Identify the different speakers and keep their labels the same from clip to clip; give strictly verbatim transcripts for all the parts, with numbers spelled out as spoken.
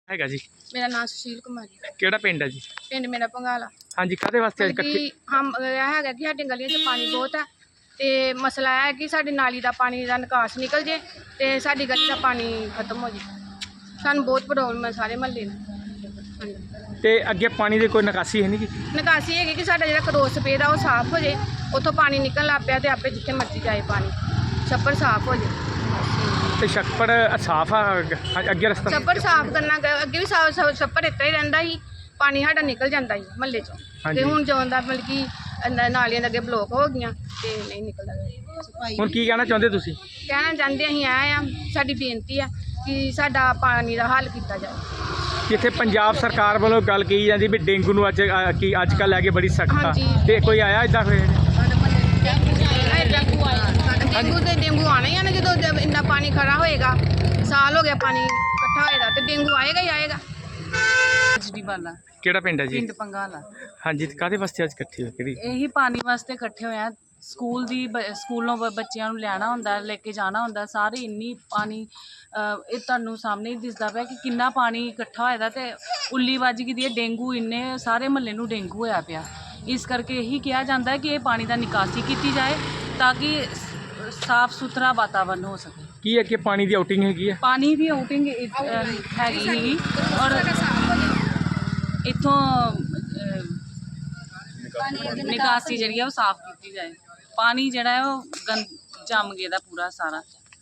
Speaker 1: ਹੈਗਾ ਜੀ।
Speaker 2: ਮੇਰਾ ਨਾਮ ਸੁਸ਼ੀਲ ਕੁਮਾਰੀ।
Speaker 1: ਕਿਹੜਾ ਪਿੰਡ ਹੈ ਜੀ?
Speaker 2: ਪਿੰਡ ਮੇਰਾ ਪੰਗਾਲਾ।
Speaker 1: ਹਾਂਜੀ, ਕਾਹਦੇ ਵਾਸਤੇ ਅੱਜ ਇਕੱਠੇ?
Speaker 2: ਕਿ ਹਮ ਇਹ ਹੈਗਾ ਕਿ ਸਾਡੀਆਂ ਗਲੀਆਂ 'ਚ ਪਾਣੀ ਬਹੁਤ ਹੈ ਤੇ ਮਸਲਾ ਇਹ ਹੈ ਕਿ ਸਾਡੀ ਨਾਲੀ ਦਾ ਪਾਣੀ ਦਾ ਨਿਕਾਸ ਨਿਕਲ ਜੇ ਤੇ ਸਾਡੀ ਗਲੀ ਦਾ ਪਾਣੀ ਖਤਮ ਹੋ ਜੇ। ਸਾਨੂੰ ਬਹੁਤ ਪ੍ਰੋਬਲਮ ਹੈ ਸਾਰੇ ਮਹੱਲੇ ਨੂੰ। ਹਾਂਜੀ,
Speaker 1: ਤੇ ਅੱਗੇ ਪਾਣੀ ਦੀ ਕੋਈ ਨਿਕਾਸੀ ਹੈ ਨਹੀਂ ਜੀ?
Speaker 2: ਨਿਕਾਸੀ ਹੈਗੀ ਕਿ ਸਾਡਾ ਜਿਹੜਾ ਕਰੋਸ ਪੇਦ ਆ ਉਹ ਸਾਫ਼ ਹੋ ਜੇ, ਉੱਥੋਂ ਪਾਣੀ ਨਿਕਲਣ ਲੱਗ ਪਿਆ ਤੇ ਆਪੇ ਜਿੱਥੇ ਮਰਜ਼ੀ ਜਾਏ ਪਾਣੀ, ਛੱਪੜ ਸਾਫ਼ ਹੋ ਜੇ।
Speaker 1: ਤੇ ਛੱਪੜ ਸਾਫ਼ ਆ ਅੱਗੇ ਰਸਤਾ?
Speaker 2: ਛੱਪੜ ਸਾਫ਼ ਕਰਨਾ ਗ- ਅੱਗੇ ਵੀ ਸਾਫ਼ ਛੱਪੜ ਇੱਦਾਂ ਹੀ ਰਹਿੰਦਾ ਸੀ, ਪਾਣੀ ਸਾਡਾ ਨਿਕਲ ਜਾਂਦਾ ਸੀ ਮਹੱਲੇ 'ਚੋਂ।
Speaker 1: ਹਾਂਜੀ।
Speaker 2: ਤੇ ਹੁਣ ਜਦੋਂ ਦਾ ਮਤਲਬ ਕਿ ਨ- ਨਾਲੀਆਂ ਦੇ ਅੱਗੇ ਬਲੋਕ ਹੋ ਗਈਆਂ ਤੇ ਨਹੀਂ ਨਿਕਲਦਾ।
Speaker 1: ਹੁਣ ਕੀ ਕਹਿਣਾ ਚਾਹੁੰਦੇ ਤੁਸੀਂ?
Speaker 2: ਕਹਿਣਾ ਚਾਹੁੰਦੇ ਅਸੀਂ ਆਏ ਆ, ਸਾਡੀ ਬੇਨਤੀ ਆ ਕਿ ਸਾਡਾ ਪਾਣੀ ਦਾ ਹੱਲ ਕੀਤਾ ਜਾਵੇ।
Speaker 1: ਜਿੱਥੇ ਪੰਜਾਬ ਸਰਕਾਰ ਵੱਲੋਂ ਗੱਲ ਕਹੀ ਜਾਂਦੀ ਵੀ ਡੇਂਗੂ ਨੂੰ ਅੱਜ ਅ, ਕੀ ਅੱਜ ਕੱਲ੍ਹ ਲੈ ਕੇ ਬੜੀ ਸਖਤ ਆ,
Speaker 2: ਹਾਂਜੀ।
Speaker 1: ਤੇ ਕੋਈ ਆਇਆ ਇੱਦਾਂ ਫਿਰ?
Speaker 2: ਡੇਂਗੂ ਤੇ ਡੇਂਗੂ ਆਣਾ ਹੀ ਆ ਨਾ, ਜਦੋਂ ਜ- ਇੰਨਾ ਪਾਣੀ ਖੜਾ ਹੋਏਗਾ, ਸਾਲ ਹੋ ਗਿਆ ਪਾਣੀ ਇਕੱਠਾ ਹੋਏਗਾ ਤੇ ਡੇਂਗੂ ਆਏਗਾ ਹੀ ਆਏਗਾ।
Speaker 3: ਜੀ ਵਾਲਾ
Speaker 1: ਕਿਹੜਾ ਪਿੰਡ ਹੈ ਜੀ?
Speaker 3: ਪਿੰਡ ਪੰਗਾਲਾ।
Speaker 1: ਹਾਂਜੀ, ਤੇ ਕਾਹਦੇ ਵਾਸਤੇ ਅੱਜ ਇਕੱਠੇ ਹੋਏ ਕਿਹੜੀ?
Speaker 3: ਇਹੀ ਪਾਣੀ ਵਾਸਤੇ ਇਕੱਠੇ ਹੋਏ ਆ। ਸਕੂਲ ਦੀ ਬ- ਸਕੂਲੋਂ ਬ- ਬੱਚਿਆਂ ਨੂੰ ਲੈਣਾ ਹੁੰਦਾ, ਲੈ ਕੇ ਜਾਣਾ ਹੁੰਦਾ, ਸਾਰੇ ਇੰਨੀ ਪਾਣੀ ਅਹ, ਇਹ ਤੁਹਾਨੂੰ ਸਾਹਮਣੇ ਹੀ ਦਿਸਦਾ ਪਿਆ ਕਿ ਕਿੰਨਾ ਪਾਣੀ ਇਕੱਠਾ ਹੋਇਆ ਦਾ ਤੇ ਉੱਲੀ ਵੱਜ ਗਈ ਦੀ ਹੈ। ਡੇਂਗੂ ਇੰਨੇ ਸਾਰੇ ਮਹੱਲੇ ਨੂੰ ਡੇਂਗੂ ਹੋਇਆ ਪਿਆ। ਇਸ ਕਰਕੇ ਇਹੀ ਕਿਹਾ ਜਾਂਦਾ ਹੈ ਕਿ ਇਹ ਪਾਣੀ ਦਾ ਨਿਕਾਸੀ ਕੀਤੀ ਜਾਏ ਤਾਂ ਕਿ ਸ- ਸਾਫ਼ ਸੁਥਰਾ ਵਾਤਾਵਰਨ ਹੋ ਸਕੇ।
Speaker 1: ਕੀ ਅੱਗੇ ਪਾਣੀ ਦੀ ਆਊਟਿੰਗ ਹੈਗੀ ਆ?
Speaker 3: ਪਾਣੀ ਦੀ ਆਊਟਿੰਗ ਹੈਗੀ ਸੀਗੀ ਔਰ ਇੱਥੋਂ ਅਹ, ਨਿਕਾਸੀ ਜਿਹੜੀ ਆ ਉਹ ਸਾਫ਼ ਕੀਤੀ ਜਾਏ। ਪਾਣੀ ਜਿਹੜਾ ਹੈ ਉਹ ਗੰਦ ਜੰਮ ਗਿਆ ਦਾ ਪੂਰਾ ਸਾਰਾ।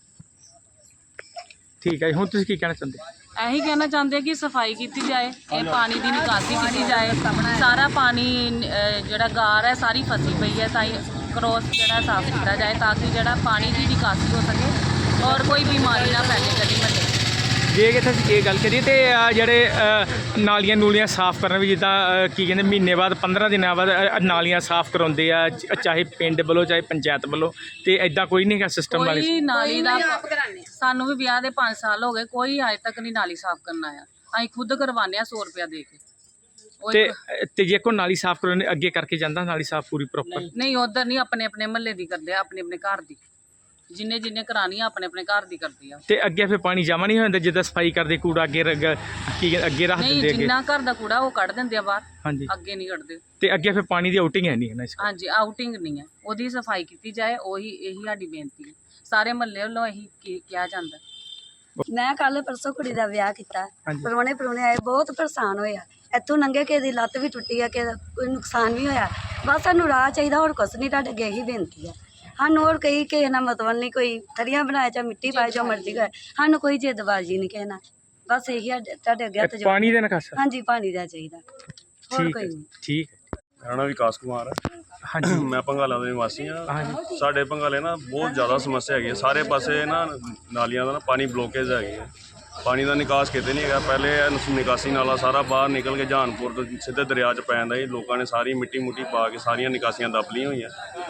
Speaker 1: ਠੀਕ ਹੈ ਜੀ, ਹੁਣ ਤੁਸੀਂ ਕੀ ਕਹਿਣਾ ਚਾਹੁੰਦੇ?
Speaker 3: ਇਹੀ ਕਹਿਣਾ ਚਾਹੁੰਦੇ ਕਿ ਸਫਾਈ ਕੀਤੀ ਜਾਏ, ਇਹ ਪਾਣੀ ਦੀ ਨਿਕਾਸੀ ਕੀਤੀ ਜਾਏ। ਸਾਰਾ ਪਾਣੀ ਅਹ, ਜਿਹੜਾ ਗਾਰ ਹੈ ਸਾਰੀ ਫਸੀ ਪਈ ਹੈ, ਤਾਂ ਹੀ ਕਰੋਸ ਜਿਹੜਾ ਸਾਫ਼ ਕੀਤਾ ਜਾਏ ਤਾਂ ਕਿ ਜਿਹੜਾ ਪਾਣੀ ਦੀ ਨਿਕਾਸੀ ਹੋ ਸਕੇ ਔਰ ਕੋਈ ਬਿਮਾਰੀ ਨਾ ਫੈਲੇ ਗਲੀ ਮਹੱਲੇ।
Speaker 1: ਜੇ ਕਿ ਅਸੀਂ ਇਹ ਗੱਲ ਕਰੀਏ ਤੇ ਅ, ਜਿਹੜੇ ਅ, ਨਾਲੀਆਂ ਨੂਲੀਆਂ ਸਾਫ਼ ਕਰਨ ਵੀ ਜਿੱਦਾਂ ਅ, ਕੀ ਕਹਿੰਦੇ ਮਹੀਨੇ ਬਾਅਦ ਪੰਦਰਾਂ ਦਿਨਾਂ ਬਾਅਦ ਅ, ਨਾਲੀਆਂ ਸਾਫ਼ ਕਰਾਉਂਦੇ ਆ, ਚ- ਚਾਹੇ ਪਿੰਡ ਵੱਲੋਂ ਚਾਹੇ ਪੰਚਾਇਤ ਵੱਲੋਂ, ਤੇ ਐਦਾਂ ਕੋਈ ਨਹੀਂ ਗਾ ਸਿਸਟਮ ਵਾਲੇ?
Speaker 3: ਕੋਈ ਨਾਲੀ ਦਾ ਸਾਨੂੰ ਵੀ ਵਿਆਹ ਦੇ ਪੰਜ ਸਾਲ ਹੋ ਗਏ, ਕੋਈ ਅਜੇ ਤੱਕ ਨਹੀਂ ਨਾਲੀ ਸਾਫ਼ ਕਰਨ ਆਇਆ। ਅਸੀਂ ਖੁਦ ਕਰਵਾਉਂਦੇ ਆ ਸੌ ਰੁਪਇਆ ਦੇ ਕੇ। ਉਹ
Speaker 1: ਤੇ
Speaker 3: ਇੱਕ-
Speaker 1: ਤੇ ਜੇ ਕੋਈ ਨਾਲੀ ਸਾਫ਼ ਕਰਾਉਣੇ ਅੱਗੇ ਕਰਕੇ ਜਾਂਦਾ ਨਾਲੀ ਸਾਫ਼ ਪੂਰੀ ਪ੍ਰੋਪਰ?
Speaker 3: ਨਹੀਂ ਉਧਰ ਨਹੀਂ, ਆਪਣੇ ਆਪਣੇ ਮਹੱਲੇ ਦੀ ਕਰਦੇ ਆ, ਆਪਣੇ ਆਪਣੇ ਘਰ ਦੀ। ਜਿੰਨੇ ਜਿੰਨੇ ਕਰਾਣੀ ਆ ਆਪਣੇ ਆਪਣੇ ਘਰ ਦੀ ਕਰਦੀ ਆ।
Speaker 1: ਤੇ ਅੱਗੇ ਫਿਰ ਪਾਣੀ ਜਮਾ ਨਹੀਂ ਹੋ ਜਾਂਦਾ ਜਿੱਦਾਂ ਸਫਾਈ ਕਰਦੇ ਕੂੜਾ ਅੱਗੇ ਰ- ਗ- ਕੀ ਕਹਿੰਦੇ ਅੱਗੇ ਰੱਖ
Speaker 3: ਨਹੀਂ,
Speaker 1: ਦਿੰਦੇ ਅੱਗੇ?
Speaker 3: ਜਿੰਨਾ ਘਰ ਦਾ ਕੂੜਾ ਉਹ ਕੱਢ ਦਿੰਦੇ ਆ ਬਾਹਰ,
Speaker 1: ਹਾਂਜੀ,
Speaker 3: ਅੱਗੇ ਨਹੀਂ ਕੱਢਦੇ।
Speaker 1: ਤੇ ਅੱਗੇ ਫਿਰ ਪਾਣੀ ਦੀ ਆਊਟਿੰਗ ਹੈ ਨਹੀਂ ਹੈ ਨਾ ਇਸ?
Speaker 3: ਹਾਂਜੀ, ਆਊਟਿੰਗ ਨਹੀਂ ਹੈ, ਉਹਦੀ ਸਫਾਈ ਕੀਤੀ ਜਾਏ। ਉਹੀ ਇਹੀ ਸਾਡੀ ਬੇਨਤੀ ਹੈ, ਸਾਰੇ ਮਹੱਲੇ ਵੱਲੋਂ ਇਹੀ ਕੀ- ਕਿਹਾ ਜਾਂਦਾ।
Speaker 4: ਮੈਂ ਕੱਲ ਪਰਸੋਂ ਕੁੜੀ ਦਾ ਵਿਆਹ ਕੀਤਾ।
Speaker 1: ਹਾਂਜੀ।
Speaker 4: ਪਰਵਾਣੇ ਪਰਵਾਣੇ ਆਏ, ਬਹੁਤ ਪਰੇਸ਼ਾਨ ਹੋਇਆ। ਇੱਥੋਂ ਲੰਘੇ ਕਿਸੇ ਦੀ ਲੱਤ ਵੀ ਟੁੱਟੀ ਆ, ਕਿਸੇ ਦਾ ਕੋਈ ਨੁਕਸਾਨ ਵੀ ਹੋਇਆ। ਬਸ ਸਾਨੂੰ ਰਾਹ ਚਾਹੀਦਾ, ਹੋਰ ਕੁਛ ਨਹੀਂ। ਤੁਹਾਡੇ ਅੱਗੇ ਇਹੀ ਬੇਨਤੀ ਆ। ਸਾਨੂੰ ਹੋਰ ਕਈ ਕਿਸੇ ਨਾਲ ਮਤਲਬ ਨਹੀਂ, ਕੋਈ ਥੜੀਆਂ ਬਣਾਏ ਚਾਹੇ ਮਿੱਟੀ ਪਾਏ ਜੋ ਮਰਜ਼ੀ ਕਰੇ, ਸਾਨੂੰ ਕੋਈ ਜਿੱਦਬਾਜ਼ੀ ਨਹੀਂ ਕਿਸੇ ਨਾਲ। ਬਸ ਇਹੀ ਸਾਡੇ- ਤੁਹਾਡੇ ਅੱਗੇ ਹੱਥ
Speaker 1: ਇਹ
Speaker 4: ਜੋੜ-
Speaker 1: ਪਾਣੀ ਦੇ ਨਿਕਾਸਾ?
Speaker 4: ਹਾਂਜੀ, ਪਾਣੀ ਦਾ ਚਾਹੀਦਾ, ਹੋਰ
Speaker 1: ਠੀਕ
Speaker 4: ਕੋਈ
Speaker 1: ਹੈ,
Speaker 4: ਨਹੀਂ।
Speaker 1: ਠੀਕ ਹੈ।
Speaker 5: ਮੇਰਾ ਨਾਮ ਵਿਕਾਸ ਕੁਮਾਰ ਹੈ।
Speaker 1: ਹਾਂਜੀ,
Speaker 5: ਮੈਂ ਭੰਗਾਲਾ ਦਾ ਨਿਵਾਸੀ ਹਾਂ।
Speaker 1: ਹਾਂਜੀ।
Speaker 5: ਸਾਡੇ ਭੰਗਾਲੇ ਨਾ ਬਹੁਤ ਜ਼ਿਆਦਾ ਸਮੱਸਿਆ ਹੈਗੀ ਹੈ। ਸਾਰੇ ਪਾਸੇ ਨਾ ਨਾਲੀਆਂ ਦਾ ਨਾ ਪਾਣੀ ਬਲੋਕੇਜ ਹੈਗੀ ਹੈ। ਪਾਣੀ ਦਾ ਨਿਕਾਸ ਕਿਤੇ ਨਹੀਂ ਹੈਗਾ। ਪਹਿਲੇ ਇਹ ਨਿਕਾਸੀ ਨਾਲਾ ਸਾਰਾ ਬਾਹਰ ਨਿਕਲ ਕੇ ਜਹਾਨਪੁਰ ਤੋਂ ਸਿੱਧੇ ਦਰਿਆ 'ਚ ਪੈ ਜਾਂਦਾ ਸੀ। ਲੋਕਾਂ ਨੇ ਸਾਰੀ ਮਿੱਟੀ ਮੁੱਟੀ ਪਾ ਕੇ ਸਾਰੀਆਂ ਨਿਕਾਸੀਆਂ ਦੱਬ ਲਈਆਂ ਹੋਈਆਂ।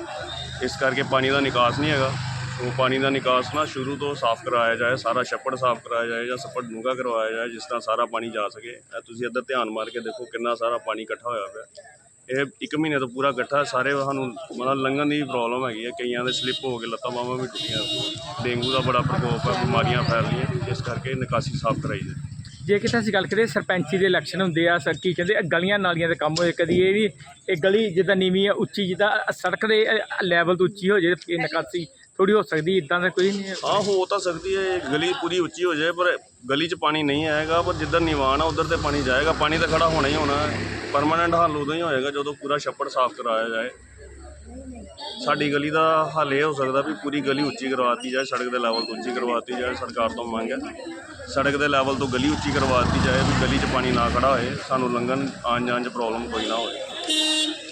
Speaker 5: ਇਸ ਕਰਕੇ ਪਾਣੀ ਦਾ ਨਿਕਾਸ ਨਹੀਂ ਹੈਗਾ। ਉਹ ਪਾਣੀ ਦਾ ਨਿਕਾਸ ਨਾ ਸ਼ੁਰੂ ਤੋਂ ਸਾਫ਼ ਕਰਵਾਇਆ ਜਾਏ, ਸਾਰਾ ਛੱਪੜ ਸਾਫ਼ ਕਰਵਾਇਆ ਜਾਏ ਜਾਂ ਛੱਪੜ ਡੂੰਘਾ ਕਰਵਾਇਆ ਜਾਏ, ਜਿਸ ਤਰ੍ਹਾਂ ਸਾਰਾ ਪਾਣੀ ਜਾ ਸਕੇ। ਇਹ ਤੁਸੀਂ ਇੱਧਰ ਧਿਆਨ ਮਾਰ ਕੇ ਦੇਖੋ ਕਿੰਨਾ ਸਾਰਾ ਪਾਣੀ ਇਕੱਠਾ ਹੋਇਆ ਪਿਆ। ਇਹ ਇੱਕ ਮਹੀਨੇ ਤੋਂ ਪੂਰਾ ਇਕੱਠਾ। ਸਾਰੇ ਸਾਨੂੰ ਮਤਲਬ ਲੰਘਣ ਦੀ ਪ੍ਰੋਬਲਮ ਹੈਗੀ ਹੈ। ਕਈਆਂ ਦੇ ਸਲਿੱਪ ਹੋ ਕੇ ਲੱਤਾਂ ਬਾਹਾਂ ਵੀ ਟੁੱਟੀਆਂ। ਡੇਂਗੂ ਦਾ ਬੜਾ ਪ੍ਰਕੋਪ ਹੈ, ਬਿਮਾਰੀਆਂ ਫੈਲ ਰਹੀਆਂ। ਇਸ ਕਰਕੇ ਨਿਕਾਸੀ ਸਾਫ਼ ਕਰਾਈ ਜਾਏ।
Speaker 1: ਜੇ ਕਿਤੇ ਅਸੀਂ ਗੱਲ ਕਰੀਏ ਸਰਪੰਚੀ ਦੇ ਇਲੈਕਸ਼ਨ ਹੁੰਦੇ ਆ, ਸਰ ਕੀ ਕਹਿੰਦੇ ਇਹ ਗਲੀਆਂ ਨਾਲੀਆਂ ਦੇ ਕੰਮ ਹੋਏ, ਕਦੀ ਇਹ ਵੀ ਇਹ ਗਲੀ ਜਿੱਦਾਂ ਨੀਵੀਂ ਆ ਉੱਚੀ, ਜਿੱਦਾਂ ਸੜਕ ਦੇ ਲੈਵਲ ਤੋਂ ਉੱਚੀ ਹੋ ਜਾਏ, ਇਹ ਨਿਕਾਸੀ ਥੋੜੀ ਹੋ ਸਕਦੀ, ਇਦਾਂ ਦਾ ਕੋਈ ਨਹੀਂ?
Speaker 5: ਹਾਂ, ਹੋ ਤਾਂ ਸਕਦੀ ਹੈ ਗਲੀ ਪੂਰੀ ਉੱਚੀ ਹੋ ਜਾਏ, ਪਰ ਗਲੀ 'ਚ ਪਾਣੀ ਨਹੀਂ ਆਏਗਾ। ਪਰ ਜਿੱਧਰ ਨਿਵਾਨ ਆ ਉੱਧਰ ਤੇ ਪਾਣੀ ਜਾਏਗਾ। ਪਾਣੀ ਤਾਂ ਖੜਾ ਹੋਣਾ ਹੀ ਹੋਣਾ ਹੈ। ਪਰਮਾਨੈਂਟ ਹੱਲ ਉਦੋਂ ਹੀ ਹੋਏਗਾ ਜਦੋਂ ਪੂਰਾ ਛੱਪੜ ਸਾਫ਼ ਕਰਾਇਆ ਜਾਏ। ਸਾਡੀ ਗਲੀ ਦਾ ਹੱਲ ਇਹ ਹੋ ਸਕਦਾ ਵੀ ਪੂਰੀ ਗਲੀ ਉੱਚੀ ਕਰਵਾਤੀ ਜਾਏ, ਸੜਕ ਦੇ ਲੈਵਲ ਤੋਂ ਉੱਚੀ ਕਰਵਾਤੀ ਜਾਏ। ਸਰਕਾਰ ਤੋਂ ਮੰਗ ਹੈ ਸੜਕ ਦੇ ਲੈਵਲ ਤੋਂ ਗਲੀ ਉੱਚੀ ਕਰਵਾਤੀ ਜਾਏ ਵੀ ਗਲੀ 'ਚ ਪਾਣੀ ਨਾ ਖੜਾ ਹੋਏ, ਸਾਨੂੰ ਲੰਘਣ ਆਉਣ ਜਾਣ 'ਚ ਪ੍ਰੋਬਲਮ ਕੋਈ ਨਾ ਹੋਵੇ।